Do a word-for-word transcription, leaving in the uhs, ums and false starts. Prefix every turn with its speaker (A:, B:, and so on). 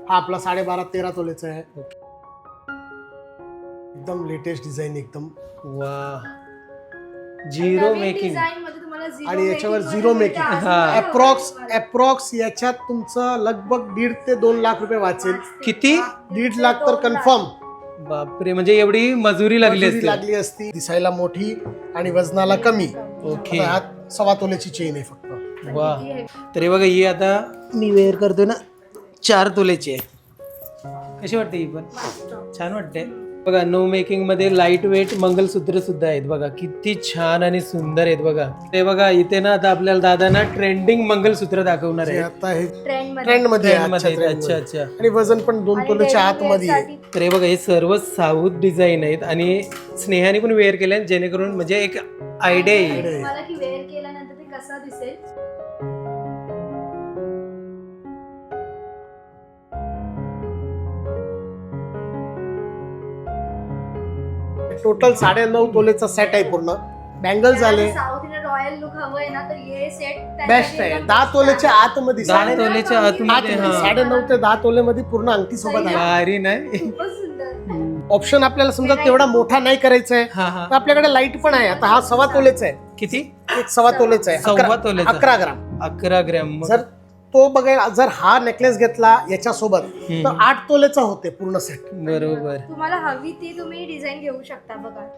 A: हा आपला साडेबारा तेरा तोलेचा आहे. एकदम लेटेस्ट डिझाईन एकदम.
B: वा झिरो मेकिंग
A: आणि याच्यावर झिरो मेकिंग. अप्रॉक्स अप्रॉक्स याच्यात तुमचं लगभग दीड ते दोन लाख रुपये वाचेल.
B: किती?
A: दीड लाख तर कन्फर्म.
B: बापरे, म्हणजे एवढी मजुरी लागली असती.
A: लागली असती. दिसायला मोठी आणि वजनाला कमी.
B: ओके.
A: ह्यात सव्वा तोल्याची चेन आहे फक्त.
B: वा. तरी बघा ही आता मी वेअर करतोय ना, चार तोल्याची आहे. कशी वाटते ही? पण छान वाटते बघा. नो मेकिंग मध्ये लाईट वेट मंगलसूत्र सुद्धा आहेत बघा, किती छान आणि सुंदर आहेत बघा. ते बघा इथे ना आता आपल्याला दादांना ट्रेंडिंग मंगलसूत्र दाखवणार आहे.
A: आता हे
C: ट्रेंड
A: ट्रेंड मध्ये आहे,
B: Trend मध्ये
A: आजच्या
B: आहेत.
A: trend
B: अच्छा
A: मध्ये.
B: अच्छा.
A: आणि वजन पण दोन तोल्याच्या आतमध्ये आहे.
B: तर हे बघा हे सर्व साऊथ डिझाईन आहेत आणि स्नेहाने पण वेअर केले जेणेकरून म्हणजे एक आयडिया येईल.
C: मला की वेअर केल्यानंतर ते कसा दिसेल.
A: टोटल साडे नऊ तोलेचा सेट आहे पूर्ण. बँगल झाले
C: साऊथ इंडियन रॉयल लुक हवंय ना तर हे सेट
A: बेस्ट आहे. दहा तोलेच्या आतमध्ये
B: दहा
A: साडे-
B: तोलेच्या आतमध्ये हा.
A: साडे नऊ ते दहा तोलेमध्ये पूर्ण अंगठी सोबत आहे.
B: भारी नाही.
C: खूपच सुंदर.
A: ऑप्शन आपल्याला समजा तेवढा मोठा नाही करायचा आहे
B: हा हा.
A: तर आपल्याकडे लाईट पण आहे. आता हा सव्वा तोलेचा आहे.
B: किती?
A: एक सव्वा तोलेचा आहे.
B: सव्वा
A: अकरा-
B: तोलेचा.
A: अकरा ग्राम.
B: अकरा ग्रॅम.
A: जर तो बघा, जर हा नेकलेस घेतला याच्या सोबत
B: हम्म.
A: तर आठ तोलेचा होते पूर्ण सेट.
B: बरोबर.
C: तुम्हाला हवी ती तुम्ही डिझाईन घेऊ शकता बघा.